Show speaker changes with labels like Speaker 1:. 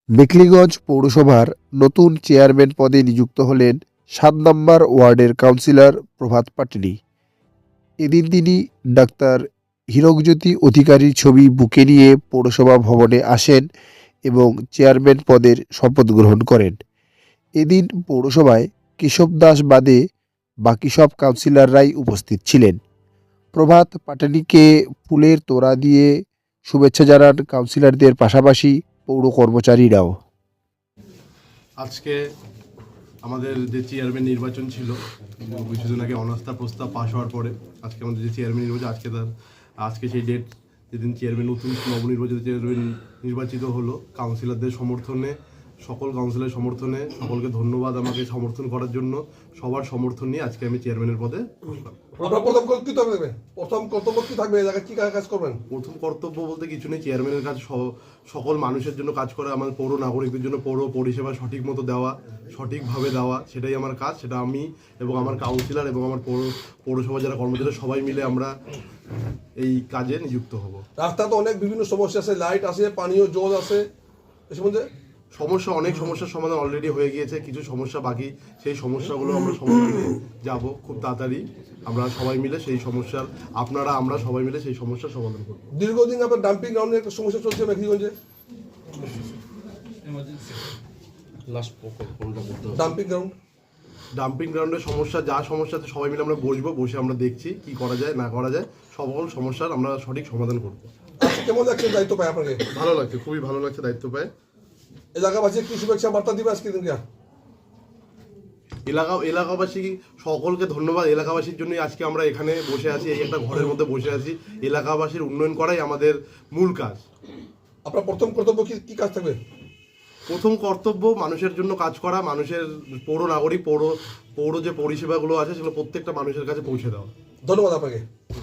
Speaker 1: মেখলিগঞ্জ পৌরসভার নতুন চেয়ারম্যান পদে নিযুক্ত হলেন ৭ নম্বর ওয়ার্ডের কাউন্সিলর প্রভাত পাটনি। এদিন তিনি ডাক্তার হীরকজ্যোতি অধিকারীর ছবি বুকে নিয়ে পৌরসভা ভবনে আসেন এবং চেয়ারম্যান পদের শপথ গ্রহণ করেন। এদিন পৌরসভায় কেশব দাস বাদে বাকি সব কাউন্সিলররাই উপস্থিত ছিলেন। প্রভাত পাটনিকে ফুলের তোড়া দিয়ে শুভেচ্ছা জানান কাউন্সিলরদের পাশাপাশি পৌর কর্মচারীরাও।
Speaker 2: আজকে আমাদের যে চেয়ারম্যান নির্বাচন ছিল কিছুদিন আগে অনাস্থা প্রস্তাব পাশ হওয়ার পরে আজকে আমাদের যে চেয়ারম্যান নির্বাচন আজকে সেই ডেট যেদিন চেয়ারম্যান নতুন নবনির্বাচিত চেয়ারম্যান নির্বাচিত হলো কাউন্সিলরদের সমর্থনে, সকল কাউন্সিলরের সমর্থনে সকলকে ধন্যবাদ আমাকে সমর্থন করার জন্য। সবার সমর্থন নিয়ে আজকে আমি চেয়ারম্যানের পদে বসলাম।
Speaker 3: প্রথম কর্তব্য কি থাকবে? কি কাজ করবেন?
Speaker 2: প্রথম কর্তব্য বলতে কিছু নেই, চেয়ারম্যানের কাজ সকল মানুষের জন্য কাজ করা, আমার পৌর নাগরিকদের জন্য পৌর পরিষেবা সঠিক মতো দেওয়া, সঠিকভাবে দেওয়া, সেটাই আমার কাজ। সেটা আমি এবং আমার কাউন্সিলর এবং আমার পৌরসভা যারা কর্মচারী সবাই মিলে আমরা এই কাজে নিযুক্ত হব।
Speaker 3: রাস্তা তো অনেক বিভিন্ন সমস্যা আছে, লাইট আছে, পানীয় জল আছে, এ সম্বন্ধে
Speaker 2: অনেক সমস্যার সমাধান অলরেডি হয়ে গিয়েছে, কিছু সমস্যা বাকি, সেই সমস্যাগুলো আমরা সমাধানে যাব খুব তাড়াতাড়ি। আমরা সবাই মিলে সেই সমস্যার আমরা সবাই মিলে সেই সমস্যার সমাধান করব।
Speaker 3: দীর্ঘদিন আপনার ডাম্পিং গ্রাউন্ডে একটা সমস্যা চলছে মেখলিগঞ্জে।
Speaker 2: ডাম্পিং গ্রাউন্ডের সমস্যা সমস্যাতে সবাই মিলে আমরা বসে আমরা দেখছি কি করা যায় না করা যায়, সকল সমস্যার আমরা সঠিক সমাধান করব।
Speaker 3: কেমন লাগছে দায়িত্ব পায় আপনাকে?
Speaker 2: ভালো লাগছে, খুবই ভালো লাগছে দায়িত্ব পায়।
Speaker 3: এলাকাবাসী কি শুভেচ্ছা বার্তা দিবে আজকে দিনকে?
Speaker 2: এলাকাবাসী সকলকে ধন্যবাদ। এলাকাবাসীর জন্যই আজকে আমরা এখানে বসে আছি, এই একটা ঘরের মধ্যে বসে আছি। এলাকাবাসীর উন্নয়ন করাই আমাদের মূল কাজ।
Speaker 3: আপনার প্রথম কর্তব্য কি কাজ থাকবে?
Speaker 2: প্রথম কর্তব্য মানুষের জন্য কাজ করা, মানুষের পৌর নাগরিক পৌর যে পরিষেবাগুলো আছে সেগুলো প্রত্যেকটা মানুষের কাছে পৌঁছে দেওয়া।
Speaker 3: ধন্যবাদ আপনাকে।